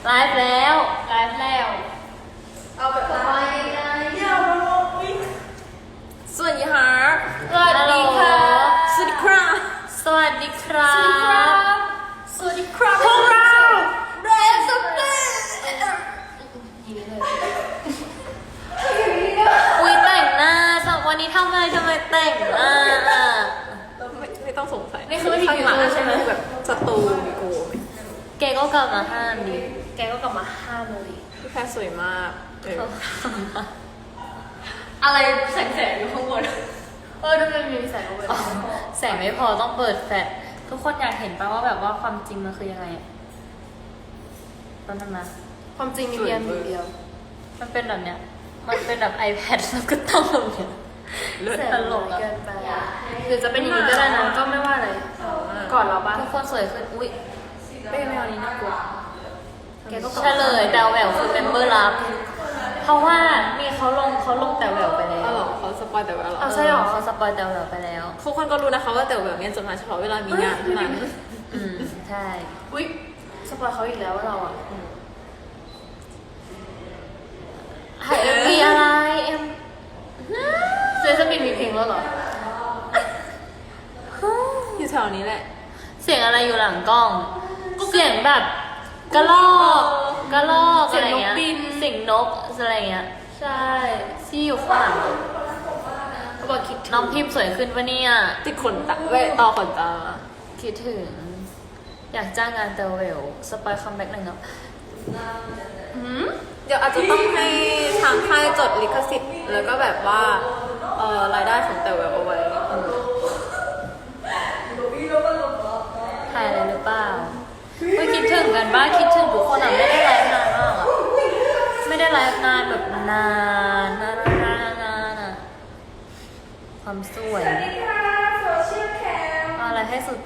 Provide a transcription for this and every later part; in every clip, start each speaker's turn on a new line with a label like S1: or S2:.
S1: ไลฟ์แล้ว
S2: เอาแบบไปเดี๋ยว
S1: สวัสดีค่ะ
S2: สวัสดีค่ะ
S1: สวัสดีครับ สวัสดีครับ
S2: สวัสดีครับ
S1: พวกเรา
S2: เรนสเปน
S1: อุ้ยแต่งหน้าวันนี้ทำไมแต่งหน้า
S3: ไม่ต้องสงสัย
S2: นี่คือวิธี
S3: ข้างหลัง
S2: ใช่ไหม
S3: แบบสตูมีโก
S1: แกก็กลับมาห้ามดิ
S2: แกก็กลับมาห้ามเลย
S3: พี่แพรสวยมาก
S2: อะไรแสงอยู่ข้างบนทำไมมีแสงเอาไว้
S1: แสงไม่พอต้องเปิดแฟลชทุกคนอยากเห็นป่ะว่าแบบว่าความจริงมันคือยังไงตอนนั้นนะ
S2: ความจริงมีเพียงหนึ่งเดียว
S1: มันเป็นแบบเนี้ย มันเป็นแบบ iPad แล้วก็ต้องแบบเนี้ย
S2: แสง
S1: ตลก
S2: เกิ
S1: อะ
S2: นไปหรือจะเป็นอย่างนี้ก็ได้นะก็ไม่ว่าอะไรก่อนเราบ้าง
S1: ทุกคนสวยขึ้น อุ้ย
S2: ไม่เอานี้น่ากลัวแกก็
S1: เฉลยแต่แหววคือเมมเบอร์ลับเพราะว่านี่เขาลงแต่แหววไปแล้ว
S3: อ๋อเหรอเขาสปอยแต่ว่าเหรอ
S2: ใช่หรอ
S1: เขาสปอยแต่แหววไปแล้ว
S3: ทุกคนก็รู้นะคะว่าแต่แบบเนี้ยจะมาเฉพาะเวลามีงานเท่านั้น
S1: ใช่
S2: อุ้ยสปอยเขาอีกแล้วว่าเราอ่ะ
S1: ถ่ายเอ็มวีอะไรเอ็ม
S2: เซซันบินมีเพลงแล้วเหรอ
S3: อยู่แถวนี้แหละ
S1: เสียงอะไรอยู่หลังกล้อง เสียงแบบกระลอกอะไรเงี้ย
S2: เสียงนกบิน
S1: เสียงนกอะไรเงี้ย
S2: ใช่
S1: ที่อยู่ข้างหลัง
S2: เขาบอกคิดถึ
S1: น้องพิมพ์สวยขึ้นปะเนี่ย
S3: ติดขนตาเว้ยต่อขนตา
S1: คิดถึง อยากจ้างงานเตลเวลสปอยคัมแบ็กหนึ่งครับ
S3: เดี๋ยวอาจจะต้องให้ทางค่ายจดลิขสิทธิ์แล้วก็แบบว่ารายได้ของแต่แบบเอาไว้
S1: ถ่ายอะไรหรือเปล่าไม่คิดถึงกันบ้างคิดถึงทุกคนอ่ะไม่ได้ไลฟ์นานมากอ่ะไม่ได้ไลฟ์นานแบบนานอ่ะความสวยเอาอะไรให้สุด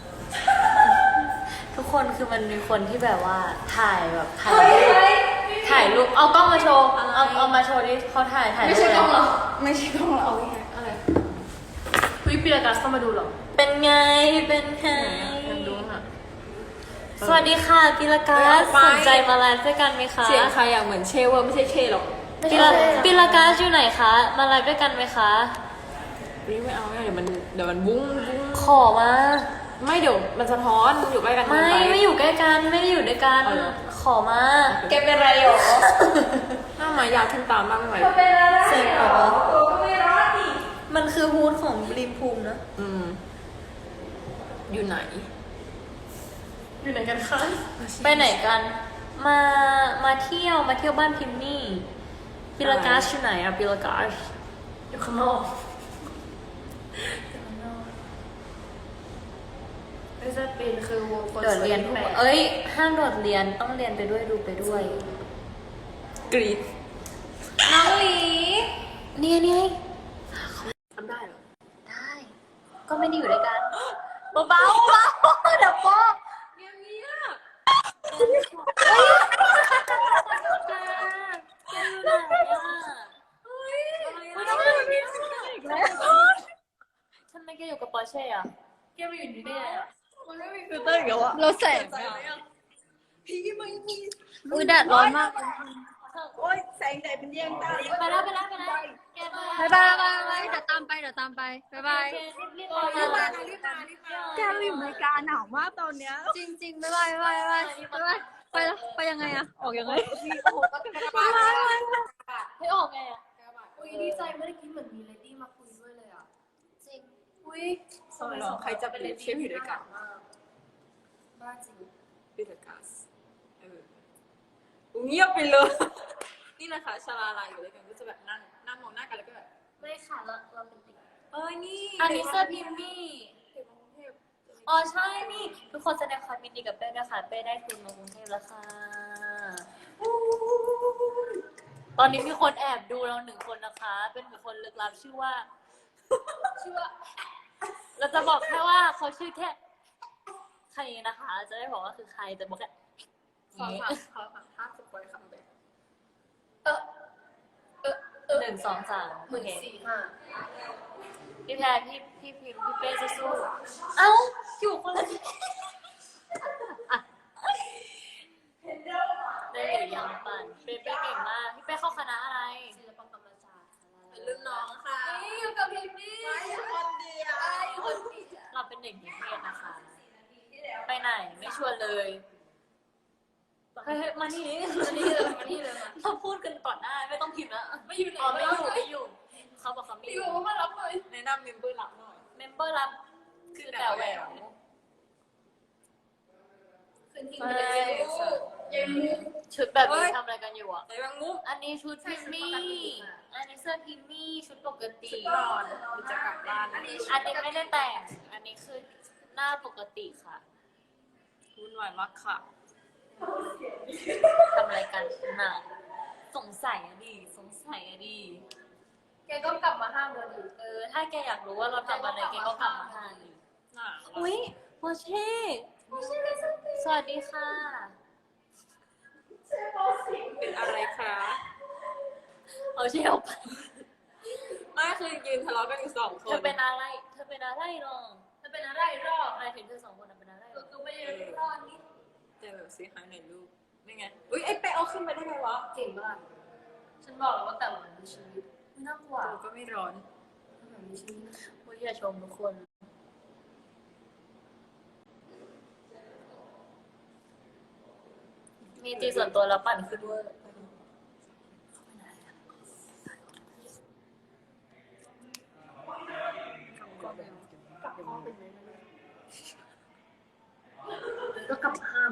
S1: ทุกคนคือมันมีคนที่แบบว่าถ่ายรูปเอากล้องมาโชว์เอามาโชว์ดิเขาถ่าย
S2: ไม่ใช่กล้องเหรอ
S3: ไม่ใช่ของเรา
S2: อะไรวิปีละกัสเข้ามาดูเหรอ
S1: เป็นไง
S3: ดูค่ะ
S1: สวัสดีค่ะพิลกัสสนใจมาไลฟ์ด้วยกันไหมคะ
S3: เสียงใครอยากเหมือนเชเวอร์ไม่ใช่เชหรอก
S1: พิลกัสอยู่ไหนคะมาไลฟ์ด้วยกันไหมคะ
S3: ไม่เอาเดี๋ยวมันบุ้ง
S1: ขอมา
S3: ไม่เดี๋ยวมันสะท้อนอยู่ใกล้กัน
S1: ไม่อยู่ใกล้กันไม่ได้อยู่ด้วยกัน
S3: เอาเหรอ
S1: ขอมา
S2: แกเป็นไรหรอ
S3: หน้าไม้ยาวขึ้นตามบ้างไหม
S1: เซ็งเหรอมันคือฮูดของบลิมภูมินะ
S3: อยู่ไหน
S2: อยู่ไหนกันคะ
S1: ไปไหนกัน มาเที่ยวบ้านพิมมี่พิลกัสอยู่ไหนอะพิลกัส
S2: อยู่ข้างนอกไม่ใช่เป็นคือวงคน
S1: โดดเรียนทุกวันเอ้ยห้ามโดดเรียนต้องเรียนไปด้วยดูไปด้วย
S3: กรีด
S1: น้องหลีนี่
S3: ทำได้เหรอ
S1: ได้ ก็ไม่ได้อยู่ด้วยกันเบาเดี๋ยวป๊อกทำไมแกอยู่กับปอร์เช่อะ
S2: แกมาอยู่นี่ได้ไงอ่ะ
S3: มันไม่มีฟิลเตอร์อีกแล้วอะ
S1: เราแสบ
S3: พี่ไม่มี
S1: อุ้ยแดดร้อนมาก
S3: โอ๊ยแสงแดดเป็นแย่งตา
S1: ไปแล้วแกไป
S4: บายเดี๋ยวตามไปบาย
S1: รีบ
S4: แกเราอยู่อเมริกาหนาวมากตอนเนี้ยจริงบายไปยังไงอะออกยังไง
S1: ให้ออกไงอะ
S2: อุ้ยดีใจไม่ได้คิดเหมือนมีเลดี้มาคุยด้วยเลยอ่ะ
S1: จริง
S2: อุ้ย
S3: ใครจะเป็นเชฟอยู่ด้วยกัน
S2: บ้าจริง
S3: พิลกัสเงียบไปเลย นี่นะคะชาลาลาอยู่ด้วยกันก็จะแบบนั่งมองหน้ากันแล้วก็แบบ
S2: ไม่ค่ะเราเป็นติ่ง
S3: นี่
S1: อันนี้เสื้อพิมมี่อ๋อใช่นี่ ทุกคนแสดงความยินดีกับเป้ด้วยค่ะเป้ได้ทุนมากรุงเทพแล้วค่ะตอนนี้มีคนแอบดูเรา1 คนนะคะ เป็นบุคคลลึกลับชื่อว่า เราจะบอกแค่ว่าเขาชื่อแค่ใครนะคะ จะได้บอกว่าคือใครแต่บอกแค่
S3: ขอถามภาพสปอยคำแบบ
S1: 1 2 3โอเค
S2: 14,500
S1: พี่แพรพี่พิมพี่เป้จะสู้เอ้าอยู่คนละยังปั่นเป้เป้เก่งมากพี่เป้เข้าคณะอะไร
S2: ศิลปกรรมศาสตร์
S3: เป็นรุ่นน้องค่ะ
S2: นี่อยู่กับพิมพ์นี่
S3: คนเดียว
S2: คนเดียว
S1: เราเป็นเด็กนิเทศนะคะ ไปไหนไม่ชวนเลยเฮ้ยมานี่นี่
S2: มานี่เลยมานี่เลยมา
S1: เราพูดกันก่อนหน้าไม่ต้องพิมพ์แล้ว
S2: ไม่อยู่ไหน
S1: อ๋อไม่อยู่ไม่อยู่เขาบอกเขาไม่
S2: อ
S1: อยู่
S2: ยู่มารับเลย
S3: แนะนำเมมเบอร์หลักหน่อย
S1: เมมเบอร์รับคือแต่แหวว
S2: คืนทิ้งไปเลยยัง
S1: ชุดแบบนี้ทำอะไรกันอยู่อ่ะ
S3: ไหนบางมุก
S1: อันนี้ชุดพิมมี่ อันนี้เสื้อพิมมี่ชุดปกติ
S3: นอนหรือจะกลับบ้าน
S1: อันนี้ไม่ได้แต่ง อันนี้คือหน้าปกติค่ะ
S3: วุ่นวายมากค่ะ
S1: ทำอะไรกันน่ะสงสัยอะดิสงสัยอะดิ
S2: แกก็กลับมาห้ามเราอยู่
S1: ถ้าแกอยากรู้ว่าเราทำอะไรแกก็กลับมาหาดิ
S3: น่า
S1: อุ้ยโมเช่สวัสดีค่ะ
S3: เป็นอะไรคะ
S1: เอาเช่ออกไป
S3: ไม่คือยืนทะเลาะกันอยู่2 ค
S1: เธอน เป็นอะไร เธอเป็นอะไรหรอ
S2: จะเป็นอะไรรอบ
S1: อะไรถึงเธอ2 คนเป็นอะไรหรอ
S2: ก็ไม่ได้รอดนี่
S3: เจอแบบซีหายหน่อยลูกนี่ไง อุ้ยไอ้เป๊ะเอาขึ้นไปได้ไงวะ
S2: เก่งมากฉันบอกแล้วว่าแต่ละมีชีวิตไม่น่ากลัว
S3: ตัวก็ไม่ร้อน
S2: มีชีวิต
S1: ผู้อย่าชมทุกคน มีจีส่วนตัวแล้วปั่นขึ้นด้วย
S2: ก็กลับมาห้าม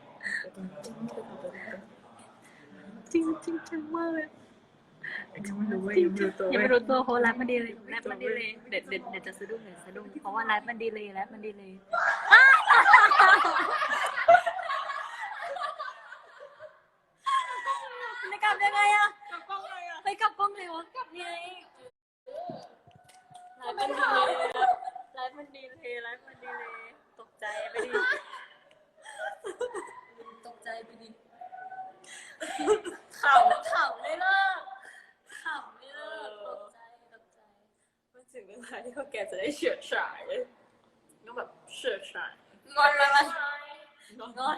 S4: จริงจริงจังมากเลยยังไม่รู้ตัวเพราะไลฟ์มันดีเลยไลฟ์มันดีเลยเดี๋ยวจะสะดุ้งเพราะว่าไลฟ์มันดีเลยไลฟ์มันดีเลยไม่กลับยังไงอะไปกลับกล้องเลยวะกลับยังไง
S1: ไลฟ์มันดีเลยไลฟ์มันดีเลยไลฟ์มันดีเลย ตกใจไปดิ
S2: ตกใจไปดิ
S1: ขำเลยเลิกขำไม่เลิกตกใจ
S3: มันถึงเวลาที่พวกแกจะได้เฉิดฉายต้องแบบเฉิดฉาย
S1: งอนอะไร
S3: งอน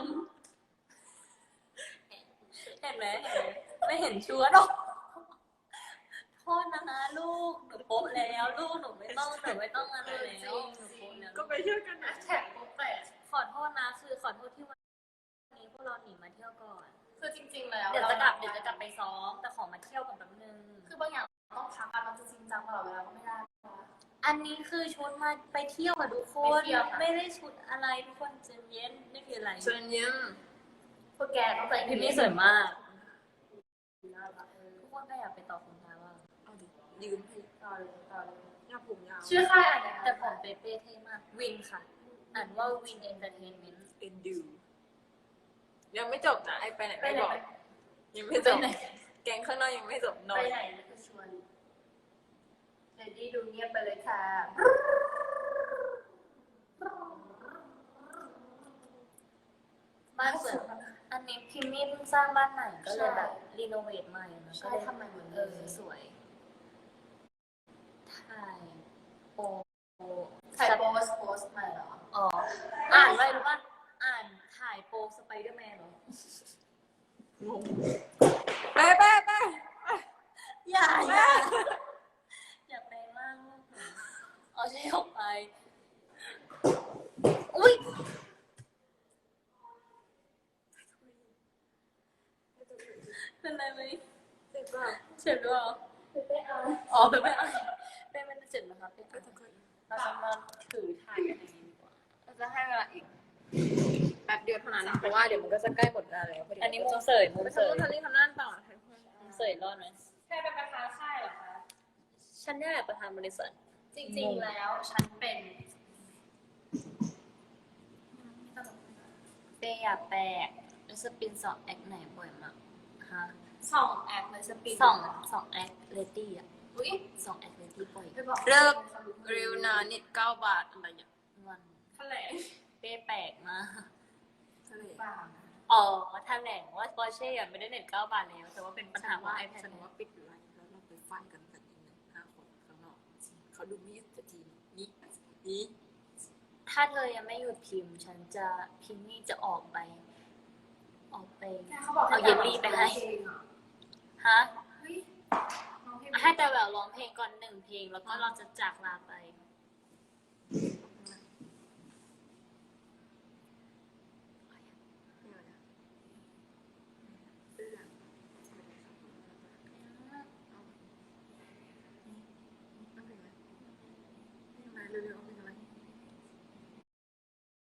S1: เห็นไหมไม่เห็นชัวร์หรอกโทษนะลูกหนูโป๊ะแล้วลูกหนูไม่ต้องอะไรแล้วหนูโป๊ะแล้ว
S3: ก็ไปเที่ยวกันนะ
S2: แท็กโป๊ะแตก
S1: ขอโทษนะคือขอโทษที่วันนี้พวกเราหนีมาเที่ยวก่อน
S2: คือจริงๆแล้ว
S1: เดี๋ยวจะกลับไปซ้อมแต่ขอมาเที่ยวกันแป๊บนึง
S2: คือบางอย่างต้องพักกันมันจะจริงจังตลอดเวลาก็ไม่ได้
S1: อันนี้คือชุดมาไปเที่ยวกับทุกคน
S2: ไปเที่ยวค่ะ
S1: ไม่ได้ชุดอะไรทุกคนใจเย็นไม่มีอะไร
S3: เชิญยิ้ม
S2: พวกแกต้องใส่
S1: พิมพ์นี่สวยมากทุกคนก็อยากไปต่อคุณตาว่า
S3: เอาดิยืมให้
S2: ต่อเลย
S3: ยาวผมยาว
S2: ชื่อค่ายอะไร
S1: แต่ผมเป๊ะเท่มากวินค่ะอ่านว่าวินเอนเตอร์เทนเมนต์
S3: เอ็นดูยังไม่จบนะไอ้ไปไหน
S2: ไป
S3: ไม่
S2: ไหน
S3: บอกยังไม่จบแกงข้างนอกยังไม่จบนอ
S2: ไป
S3: น
S2: ไหนแล้วก็ชวนเดดดี้ดูเงียบไปเลยค่ะ
S1: บ้านสวยอันนี้พิมพ์นี่เพิ่งสร้างบ้านใหม่ก็เลยแบบรีโนเวทใหม่มันก็
S2: ใช่
S1: เลย
S2: ทำไมเหมือน
S1: สวยถ่ายโป
S2: ใส่โพสต์ใหม่เหรอ
S1: อ๋ออ่านไว้หรือว่าอ่านถ่ายโปสไปเดอร์แมนเหรอ
S3: งงไปไปไป
S1: อย่าแปลงร่างลูกหนูเอาใช้ออกไป อุ้ยเป็นไรไหม
S3: เสร็จป่ะ
S1: เจ็บด้วยเหรอ
S2: ไปเอา
S1: อ๋อเป็นไม่เอาเป็นไม่ได้เจ็บนะคะเป็นเราจะมาถือถ่ายกันเองดีกว่า
S3: เราจะให้เวลาอีกแป๊บเดียวเท่านั้นนะเพราะว่าเดี๋ยวมันก็จะใกล้หมดเวลาแล้ว
S1: อันนี้มุมเสยมุม
S3: ไป
S1: เสย
S3: ทำนี่ทำนั่นต่อ
S1: มุมเสยรอดไหม
S2: ใช่เป็นประธานค่ายเหรอคะ
S1: ฉันนี่แหละประธานบริษัท
S2: จริงๆแล้วฉันเป็น
S1: เปย์อยากแปลกแล้วสปินสองแอคไหนบ่อยมากฮะ
S2: สองแอคเลยสปีด
S1: สองแอคเลดี้อ่ะ
S2: อุ้ย
S1: สองแอคเลดี้บ่อย
S2: ไปบอก
S3: เลิกริวนานิด9 บาทอะไรอย่าง
S1: วัน
S2: แถลง
S1: เป้แปลกมาก
S3: ทะเล
S2: บ้า
S1: อ๋อแถลงว่าปอร์เช่ไม่ได้เน็ต9 บาทแล้ว แต่ว่าเป็นปัญหาว่า iPad
S3: ฉันว่าปิดไลฟ์แล้วเราไปฟันกันสักนิดนึง5 คนข้างนอกเขาดูไม่ยึดกับทีมนี่
S1: ถ้าเธอยังไม่หยุดพิมพ์ ฉันจะพิมพ์นี่จะออกไปออกไป
S2: เขาบอก
S1: เอาเยลลี่ไปให้ ฮะ ให้แต่แหววร้องเพลงก่อน1 เพลง แล้วก็เราจะจากลาไป
S3: เร็วๆ